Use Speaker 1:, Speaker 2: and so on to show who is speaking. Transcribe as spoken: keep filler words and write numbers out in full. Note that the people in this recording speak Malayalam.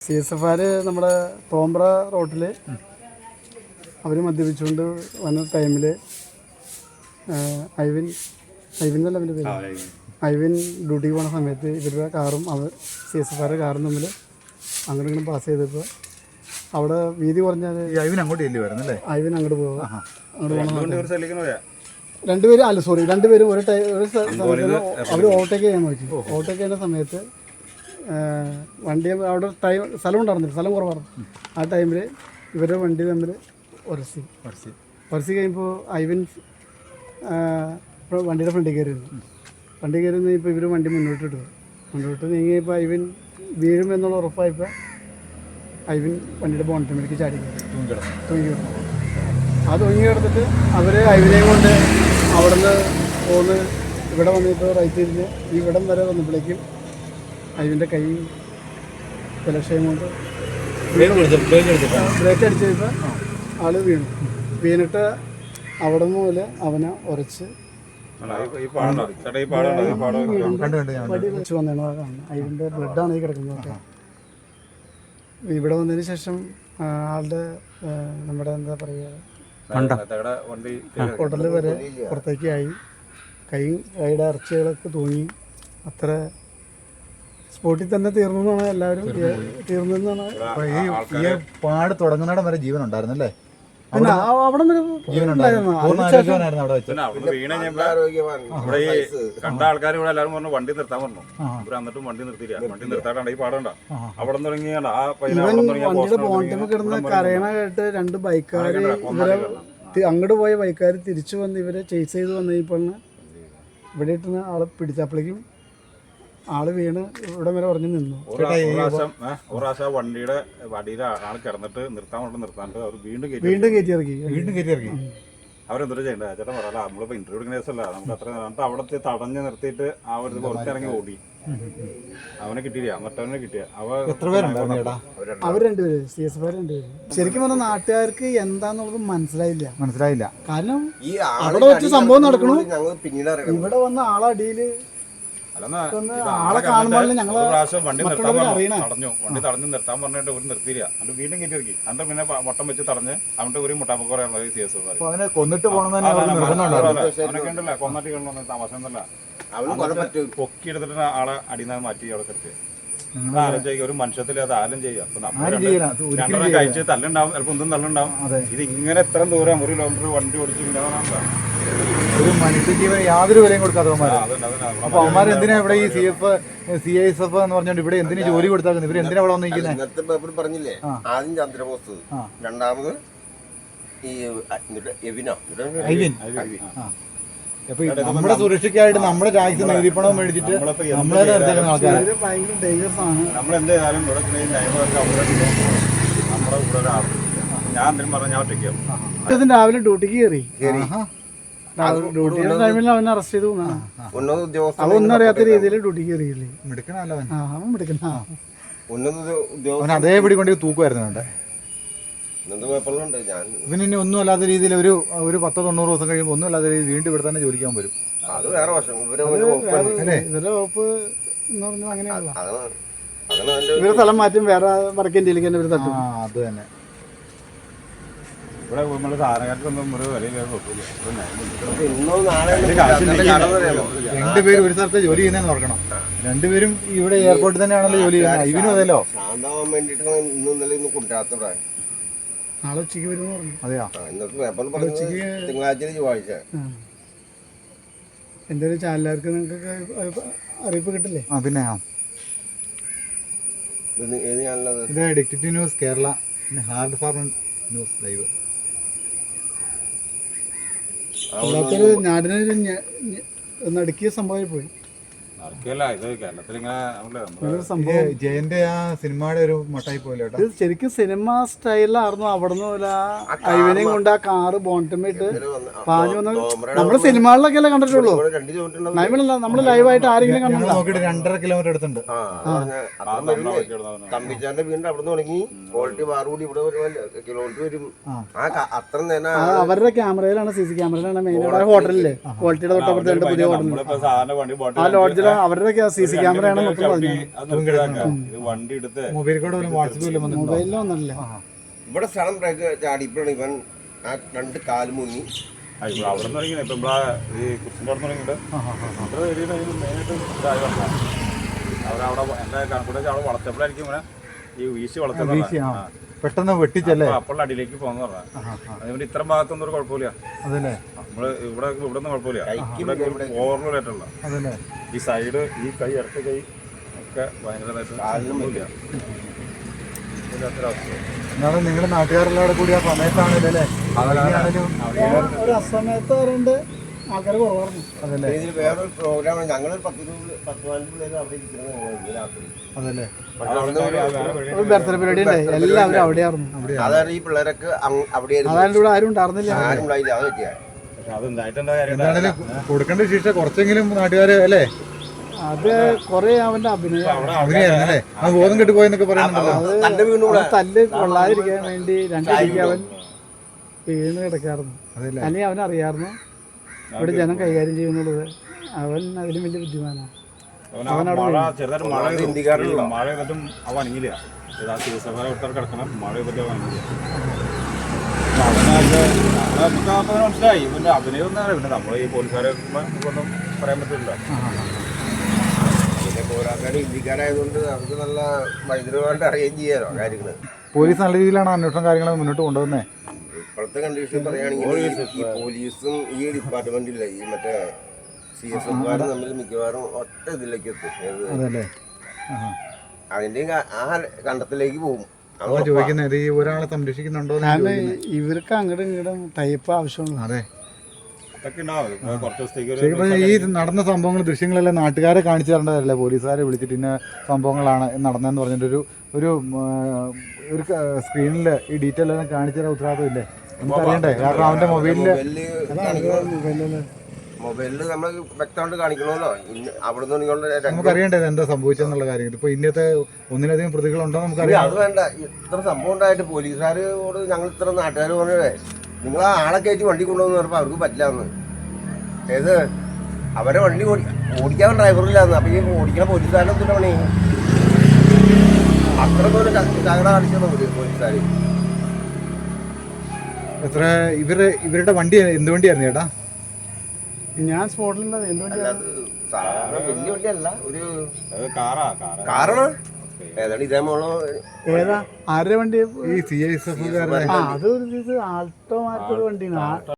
Speaker 1: സി എസ് എഫ് ആർ നമ്മുടെ തോമ്പ്ര റോട്ടിൽ അവർ മദ്യപിച്ചുകൊണ്ട് വന്ന ടൈമിൽ ഐവിൻ ഐവിൻ എന്നല്ല അവൻ്റെ പേര് ഐവിൻ ഡ്യൂട്ടിക്ക് പോകുന്ന സമയത്ത് ഇവരുടെ കാറും അവർ സി എസ് എഫ് ആരുടെ കാറും തമ്മിൽ അങ്ങോട്ട് ഇങ്ങനെ പാസ് ചെയ്തപ്പോൾ അവിടെ വീതി കുറഞ്ഞാൽ
Speaker 2: ഐവിൻ അങ്ങോട്ട് ചെല്ലി വരുന്നല്ലേ
Speaker 1: ഐവിൻ അങ്ങോട്ട് പോകുക അങ്ങോട്ട് പോകുന്ന രണ്ടുപേരും അല്ല സോറി രണ്ടുപേരും ഒരു ടൈം ഒരു സ്ഥലത്ത് അവർ ഓവർടേക്ക് ചെയ്യാൻ നോക്കി ഓവർടേക്ക് ചെയ്യുന്ന സമയത്ത് വണ്ടി അവിടെ ടൈം സ്ഥലം ഉണ്ടായിരുന്നില്ല, സ്ഥലം കുറവായിരുന്നു. ആ ടൈമിൽ ഇവരുടെ വണ്ടി തമ്മിൽ ഉരസി ഉരസി ഉരസി കഴിയുമ്പോൾ ഐവിൻ വണ്ടിയുടെ ഫ്രണ്ടിൽ കയറിയിരുന്നു. വണ്ടി കയറി ഇപ്പോൾ ഇവർ വണ്ടി മുന്നോട്ട് ഇട്ടു മുന്നോട്ട് നീങ്ങിയപ്പോൾ ഐവിൻ വീഴുമെന്നുള്ള ഉറപ്പായപ്പോൾ ഐവിൻ വണ്ടിയുടെ ബോണറ്റിലേക്ക് ചാടി തൂങ്ങി കിടന്നു. ആ തൂങ്ങി കിടന്നിട്ട് അവർ ഐവിനെയും കൊണ്ട് അവിടെ നിന്ന് പോന്ന് ഇവിടെ വന്നിപ്പോൾ റൈറ്റ് തിരിഞ്ഞ് ഈ ഇവിടം വരെ വന്നപ്പോഴേക്കും ഐവിൻ്റെ കൈ ബലക്ഷയം കൊണ്ട് ബ്രേക്ക് അടിച്ച് കഴിയുമ്പോൾ ആൾ വീണു. വീണിട്ട് അവിടെ നിന്ന് പോലെ അവനെ ഉരച്ച് വെച്ച് വന്നതാണ് കാണുന്നത്. ഐവിൻ്റെ ബ്ലഡാണ് ഈ കിടക്കുന്നത്. ഇവിടെ വന്നതിന് ശേഷം ആളുടെ നമ്മുടെ എന്താ പറയുക ഹോട്ടലിൽ വരെ പുറത്തേക്ക് ആയി. കൈ കൈയുടെ ഇറച്ചികളൊക്കെ തൂങ്ങി. അത്ര സ്പോട്ടിൽ തന്നെ തീർന്നു എന്നാണ് എല്ലാവരും തീർന്നു എന്നാണ്.
Speaker 2: ഈ പാട് തുടങ്ങുന്നിടം വരെ ജീവൻ ഉണ്ടായിരുന്നല്ലേ?
Speaker 1: പിന്നെ അവിടെ
Speaker 3: കണ്ട ആൾക്കാർ ഇവിടെ എല്ലാവരും പറഞ്ഞു വണ്ടി നിർത്താൻ പറഞ്ഞു. ഇവർ എന്നിട്ടും വണ്ടി നിർത്തിയില്ല. വണ്ടി നിർത്താണ്ട് ഈ പാടണ്ട അവിടെ തുടങ്ങിയാണ് ആ
Speaker 1: വണ്ടിയുടെ ബോണ്ടിൽ കിടന്ന് കരയണ കേട്ട് രണ്ട് ബൈക്കുകാർ ഇവരെ അങ്ങോട്ട് പോയ ബൈക്കുകാർ തിരിച്ചു വന്ന് ഇവരെ ചേസ് ചെയ്ത് വന്നപ്പോഴാണ് ഇവിടെ ഇട്ടുന്ന ആളെ പിടിച്ചപ്പോഴേക്കും ആള് വീണ് ഇവിടെ വരെ ഉറഞ്ഞു നിന്നു.
Speaker 3: ഒരു പ്രാവശ്യം ഒരു പ്രാവശ്യം വണ്ടിയുടെ വടിയിൽ ആൾ കിടന്നിട്ട് നിർത്താൻ കൊണ്ട് നിർത്താണ്ട് അവർ വീണ്ടും
Speaker 1: വീണ്ടും കയറ്റി ഇറക്കി
Speaker 2: വീണ്ടും കയറ്റി ഇറക്കി
Speaker 3: അവരെന്തോ ചെയ്യണ്ട ചേട്ടൻ പറയാല നമ്മളിപ്പോ ഇന്റർവ്യൂ എടുക്കുന്ന കേസല്ല. നമുക്ക് അത്ര എന്നിട്ട് അവിടെ തടഞ്ഞ് നിർത്തിയിട്ട് ആ ഒരു പുറത്തിറങ്ങി ഓടി. അവനെ കിട്ടിയില്ല, മറ്റവനെ കിട്ടിയ
Speaker 1: അവർ രണ്ടുപേര് സി എസ് എഫ് രണ്ടുപേര്. ശരിക്കും പറഞ്ഞ നാട്ടുകാർക്ക് എന്താന്നുള്ളത് മനസ്സിലായില്ല
Speaker 2: മനസ്സിലായില്ല
Speaker 1: കാരണം അവിടെ വെച്ച് സംഭവം നടക്കണു. ഇവിടെ വന്ന ആളടിയില് ആളെ കാണുമ്പോൾ ഞങ്ങള്
Speaker 3: വണ്ടി നിർത്താൻ തടഞ്ഞു. വണ്ടി തടഞ്ഞു നിർത്താൻ പറഞ്ഞിട്ട് ഒരു നിർത്തിയില്ല. എന്നിട്ട് വീണ്ടും കയറ്റി ഇറക്കി. എന്നിട്ട് പിന്നെ വട്ടം വെച്ച് തടഞ്ഞ് അവന്റെ ഒരു മുട്ടാപ്പൊക്കെ പറയാനുള്ളത് സി എസ് എഫ്.
Speaker 2: അവനെ കൊന്നിട്ട് പോകണമെന്ന്
Speaker 3: അവനൊക്കെ ഉണ്ടല്ലോ കൊന്നിട്ട് കൊണ്ടു താമസം എന്നല്ല പൊക്കി എടുത്തിട്ട് ആളെ അടിയിൽ മാറ്റി അവിടെ കിടത്തി. ആരും ചെയ്യുക ഒരു മനുഷ്യത്തിൽ അത് ആരും ചെയ്യുക. അപ്പൊ നമ്മൾ കഴിച്ച് തല്ലുണ്ടാവും, ചിലപ്പോൾ ഒന്നും തല്ലുണ്ടാവും. ഇത് ഇങ്ങനെ എത്ര ദൂരം ഒരു കിലോമീറ്റർ വണ്ടി ഓടിച്ചു
Speaker 2: ഒരു മനുഷ്യജീവൻ യാതൊരു വിലയും കൊടുക്കാതെ അവന്മാർ. അപ്പൊ അവന്മാർ എന്തിനാ ഇവിടെ ഈ C F C I S F എന്ന് പറഞ്ഞോണ്ട് ഇവിടെ എന്തിനു ജോലി കൊടുത്താൽ ഇവർ എന്തിനാ ഇവിടെ വന്നിരിക്കുന്നത്?
Speaker 4: പറഞ്ഞില്ലേ ആദ്യം ചന്ദ്രബോസ്, രണ്ടാമത് ഈ ഐവിൻ.
Speaker 2: അപ്പൊ നമ്മുടെ സുരക്ഷയ്ക്കായിട്ട് നമ്മുടെ രാജ്യത്ത് നികുതിപ്പണം മേടിച്ചിട്ട് നമ്മളെ നിർത്തുന്ന ആൾക്കാർ
Speaker 1: ഭയങ്കര ഡേഞ്ചറസ് ആണ്.
Speaker 3: നമ്മളെന്തായാലും ഇവിടെ നമ്മുടെ കൂടെ ഞാൻ എന്തെങ്കിലും പറഞ്ഞാൽ ഞാൻ ഒറ്റയ്ക്കാവും.
Speaker 1: രാവിലെ ഡ്യൂട്ടിക്ക് കയറി ഡ്യൂട്ടിയുടെ ടൈമിൽ അവനെ അറസ്റ്റ് ചെയ്തു. അവനൊന്നും അറിയാത്ത രീതിയിൽ ഡ്യൂട്ടിക്ക് കയറിയില്ലേ. അവൻ മിടുക്കണ
Speaker 2: അവൻ അതേപടി കൊണ്ട് തൂക്കുമായിരുന്നു വേണ്ടേ. ഇവന് ഇനി ഒന്നും അല്ലാത്ത രീതിയിൽ ഒരു ഒരു പത്തോ തൊണ്ണൂറ് ദിവസം കഴിയുമ്പോൾ ഒന്നും അല്ലാത്ത രീതിയിൽ വീണ്ടും ഇവിടെ തന്നെ ജോലിക്കാൻ വരും.
Speaker 1: ഇവരുടെ വകുപ്പ് എന്ന് പറഞ്ഞാൽ അങ്ങനെയല്ല. ഇവരുടെ സ്ഥലം മാറ്റും വേറെ വടക്കേന്ത്യയിലേക്ക് തന്നെ ഇവർ തട്ടും.
Speaker 2: അത് തന്നെ
Speaker 3: ഇവിടെ നമ്മള് സാധനക്കാർക്കൊന്നും ഒരു വിലയില്ല.
Speaker 2: രണ്ടുപേരും ഒരു സ്ഥലത്ത് ജോലി ചെയ്യുന്നതെന്ന് ഓർക്കണം. രണ്ടുപേരും ഇവിടെ എയർപോർട്ടിൽ തന്നെയാണല്ലോ ജോലി ചെയ്യുന്നത്. ഇവനും അതല്ലോ
Speaker 1: നാളെ ഉച്ചയ്ക്ക് വരും പറഞ്ഞു.
Speaker 2: അതെയോ?
Speaker 4: തിങ്കളാഴ്ച ചൊവ്വാഴ്ച
Speaker 1: എന്തെങ്കിലും ചാനലുകാർക്ക് നിങ്ങൾക്ക് അറിയിപ്പ് കിട്ടില്ലേ?
Speaker 2: ആ പിന്നെ ഇത് ഡിക്റ്റേറ്റീവ് ന്യൂസ് കേരള, പിന്നെ ഹാർഡ് ഫാർമർ ന്യൂസ് ലൈവ്.
Speaker 1: അല്ലാത്തൊരു നാടിനൊരു നടുക്കിയ സംഭവമായി പോയി.
Speaker 2: ജയന്റെ ആ സിനിമയുടെ ഒരു മട്ടായി പോലെ
Speaker 1: ഇത് ശരിക്കും സിനിമ സ്റ്റൈലിലായിരുന്നു. അവിടെ നിന്ന് ഐവനെയും കൊണ്ട് ആ കാറ് ബോണ്ടമിട്ട് പാഞ്ഞു വന്ന നമ്മള് സിനിമകളിലൊക്കെ അല്ലേ കണ്ടിട്ടുള്ളൂ. ലൈവിലല്ല, നമ്മള് ലൈവായിട്ട് ആരെങ്കിലും കണ്ടോ?
Speaker 2: നോക്കിട്ട് രണ്ടര കിലോമീറ്റർ അടുത്തുണ്ട്.
Speaker 4: തമ്പിച്ചാന്റെ വീണ്ടും അവിടെ നിന്ന് തുടങ്ങി ക്വാളിറ്റി ബാറുകൂടി ഇവിടെ കിലോമീറ്റർ വരും. അത്ര നേരം
Speaker 1: അവരുടെ ക്യാമറയിലാണ്, സി സി ക്യാമറയിലാണ് മെയിൻ. ഹോട്ടലില്ലേ ക്വാളിറ്റിയുടെ തൊട്ടപ്പുറത്ത് പുതിയ ഹോട്ടലിൽ ആ ലോഡ്ജിൽ അവരുടെ സി സി ക്യാമറയാണ് മൊത്തം പറഞ്ഞു.
Speaker 3: അത് നിർത്തിയതാക്കാം. ഇത് വണ്ടി എടുത്ത്
Speaker 2: മൊബൈൽ കൂടെ വാട്സപ്പിൽ വന്നിട്ടുണ്ടോ?
Speaker 1: മൊബൈലിലൊന്നുമില്ല.
Speaker 4: ഇവിടെ സ്ഥലം ബ്രേക്ക് ചാടിയപ്പോഴാണ് ഇവൻ ആ രണ്ട് കാല് മുങ്ങി.
Speaker 3: ആ, ഇവിടെ അവിടെ നിന്ന് തുടങ്ങി ഇപ്പം ഇവിടെ ഈ കുറിച്ചിൻ്റെ അവിടെ തുടങ്ങിയിട്ട് ഇവിടെ ഏരിയയിൽ അതിന് മെയിനായിട്ട് ഇതായി വന്നതാണ്. അവരവിടെ എൻ്റെ കണക്കൂടെ അവിടെ വളർത്തപ്പോഴായിരിക്കും ഇങ്ങനെ ഈ വീശി വളർത്തുന്നത്.
Speaker 2: പെട്ടെന്ന് വെട്ടിച്ചല്ലേ?
Speaker 3: അപ്പോൾ അടിയിലേക്ക് പോകുന്ന പറഞ്ഞാൽ അതുകൊണ്ട് ഇത്ര ഭാഗത്തൊന്നും ഒരു കുഴപ്പമില്ല.
Speaker 2: അതല്ലേ
Speaker 3: നമ്മള് ഇവിടെ ഇവിടെ ഒന്നും കുഴപ്പമില്ല. ഇവിടെ ഓവർലോഡായിട്ടുള്ള
Speaker 2: അതല്ലേ
Speaker 3: ഈ സൈഡ് ഈ കൈ ഇടത്ത കൈ ഒക്കെ ഭയങ്കരമായിട്ട് ഇല്ലാത്തൊരവസ്ഥ.
Speaker 2: എന്നാലും നിങ്ങളുടെ നാട്ടുകാരെല്ലാം കൂടി ആ സമയത്താണല്ലേ
Speaker 1: ഒരു അസമയത്ത് പറയുന്നത് ആൾക്കാർ കുറവായിരുന്നു.
Speaker 2: അതല്ലേ
Speaker 4: ഇതിൽ വേറൊരു പ്രോഗ്രാമാണ്. ഞങ്ങളൊരു പത്ത് ഇരുപത് പത്ത് പതിനഞ്ച് പിള്ളേർ അവിടെ ഇരിക്കുന്നത് രാത്രി.
Speaker 2: അതല്ലേ
Speaker 1: ഒരു ബർത്ത്ഡേ പരിപാടി ഉണ്ടായി, എല്ലാവരും അവിടെയായിരുന്നു.
Speaker 4: അതാണ് ഈ പിള്ളേരൊക്കെ അവിടെയായിരുന്നു.
Speaker 1: അതായത് ഇവിടെ ആരും ഉണ്ടായിരുന്നില്ല.
Speaker 4: ആരും ഉണ്ടായില്ല. അത് പറ്റിയ
Speaker 3: പക്ഷെ അത് ഉണ്ടായിട്ടെന്താ കാര്യം?
Speaker 2: എന്താണെങ്കിലും കൊടുക്കേണ്ട ശിക്ഷ കുറച്ചെങ്കിലും നാട്ടുകാര് അല്ലേ?
Speaker 1: അത് കൊറേ അവന്റെ അഭിനയം
Speaker 2: അഭിനയായിരുന്നു അല്ലേ? ആ ബോധം കെട്ടുപോയെന്നൊക്കെ പറയുന്നുണ്ടല്ലോ.
Speaker 4: തന്നെ വീണു
Speaker 1: അവൻ തല്ല് കൊള്ളാതിരിക്കാൻ വേണ്ടി രണ്ടടിക്ക് അവൻ വീണ് കിടക്കായിരുന്നു. അല്ലെങ്കിൽ അവനറിയായിരുന്നു ഇവിടെ ജനം കൈകാര്യം ചെയ്യുന്നുള്ളത്. അവൻ അതിലും വലിയ ബുദ്ധിമാനാണ്.
Speaker 3: മഴ ചെറുതായിട്ട് മഴ ഇന്ത്യക്കാരിലുള്ള മഴ ചെയ്തിട്ടും അവ അണങ്ങില്ല. ആ ചികിത്സക്കാരെ കൊടുത്താൽ കിടക്കണം. മഴ ചെയ്തിട്ട് അണങ്ങില്ല. നമുക്ക് അപ്പം മനസ്സിലായി ഇവന്റെ അഭിനയം ഒന്നാണ്. പിന്നെ നമ്മൾ ഈ പോലീസുകാരെ ഒന്നും പറയാൻ പറ്റില്ല.
Speaker 4: പിന്നെ പോരാക്കാട് ഇന്ത്യക്കാരായതുകൊണ്ട് നമുക്ക് നല്ല ഭയങ്കരമായിട്ട് അറിയുകയും ചെയ്യാലോ കാര്യങ്ങള്.
Speaker 2: പോലീസ് നല്ല രീതിയിലാണ് അന്വേഷണം കാര്യങ്ങൾ മുന്നോട്ട് കൊണ്ടുവന്നേ.
Speaker 4: ഇപ്പോഴത്തെ കണ്ടീഷൻ പറയുകയാണെങ്കിൽ ഈ പോലീസും ഈ ഡിപ്പാർട്ട്മെന്റില്ല ഈ മറ്റേ സി എസ് എഫുകാരും തമ്മിൽ മിക്കവാറും ഒറ്റ ഇതിലേക്ക് എത്തും.
Speaker 2: അതല്ലേ
Speaker 4: അതിന്റെ ആ കണ്ടത്തിലേക്ക് പോകും.
Speaker 2: അതാ ചോദിക്കുന്നത്, ഈ ഒരാളെ സംരക്ഷിക്കുന്നുണ്ടോ?
Speaker 1: കാരണം ഇവർക്ക് അങ്ങോട്ടും ഇങ്ങോട്ടും ടൈപ്പ് ആവശ്യമുള്ളൂ.
Speaker 2: അതെ
Speaker 3: അതൊക്കെ ഉണ്ടാവും. കുറച്ച് ദിവസത്തേക്ക് ഒരു
Speaker 2: ശരിക്കും ഈ നടന്ന സംഭവങ്ങൾ ദൃശ്യങ്ങളെല്ലാം നാട്ടുകാരെ കാണിച്ചു തരേണ്ടതല്ലേ? പോലീസുകാരെ വിളിച്ചിട്ട് ഇന്ന സംഭവങ്ങളാണ് നടന്നതെന്ന് പറഞ്ഞിട്ടൊരു ഒരു ഒരു സ്ക്രീനിൽ ഈ ഡീറ്റെയിൽ എല്ലാം കാണിച്ചു തരാൻ ഉത്തരവാദിത്വം ഇല്ലേ? നമുക്കറിയണ്ടേ? കാരണം അവന്റെ മൊബൈലില്
Speaker 4: മൊബൈലില് നമ്മൾ വ്യക്തമായിട്ട് കാണിക്കണമല്ലോ. അവിടെ നിന്ന്
Speaker 2: നമുക്കറിയണ്ടേ എന്താ സംഭവിച്ചെന്നുള്ള കാര്യം. ഇപ്പൊ ഇന്നത്തെ ഒന്നിലധികം പ്രതികളുണ്ടോ നമുക്കറിയാം.
Speaker 4: അത് വേണ്ട. ഇത്ര സംഭവം ഉണ്ടായിട്ട് പോലീസുകാരോട് ഞങ്ങൾ ഇത്ര നാട്ടുകാർ പറഞ്ഞേ നിങ്ങൾ ആ ആളെ കയറ്റി വണ്ടി കൊണ്ടുവന്ന് പറഞ്ഞപ്പോൾ അവർക്ക് പറ്റില്ലാന്ന്. ഏത് അവരെ വണ്ടി ഓടിക്കാൻ ഡ്രൈവറില്ലാന്ന്. അപ്പൊ ഈ ഓടിക്കണ പോലീസുകാരനെ എന്തിനാ പണി? അത്ര പോലും ചകട കാണിച്ചു പോലീസുകാർ.
Speaker 2: എത്ര ഇവര് ഇവരുടെ വണ്ടി എന്ത് വണ്ടിയായിരുന്നു ചേട്ടാ?
Speaker 1: ഞാൻ സ്പോട്ടിലുണ്ടാവും. എന്തുകൊണ്ട്
Speaker 4: സാധാരണ വലിയ വണ്ടിയല്ല, ഒരു
Speaker 3: കാറാ കാറാ
Speaker 4: കാറാണ്. ഏതാണ് ഇതേ മോളോ?
Speaker 1: ഏതാ ആരുടെ വണ്ടി?
Speaker 2: ഈ സി ഐ എസ് എഫ്
Speaker 1: ആ അത് ഒരു ആൾട്ടോ മാറ്റൊരു വണ്ടിയാണ്.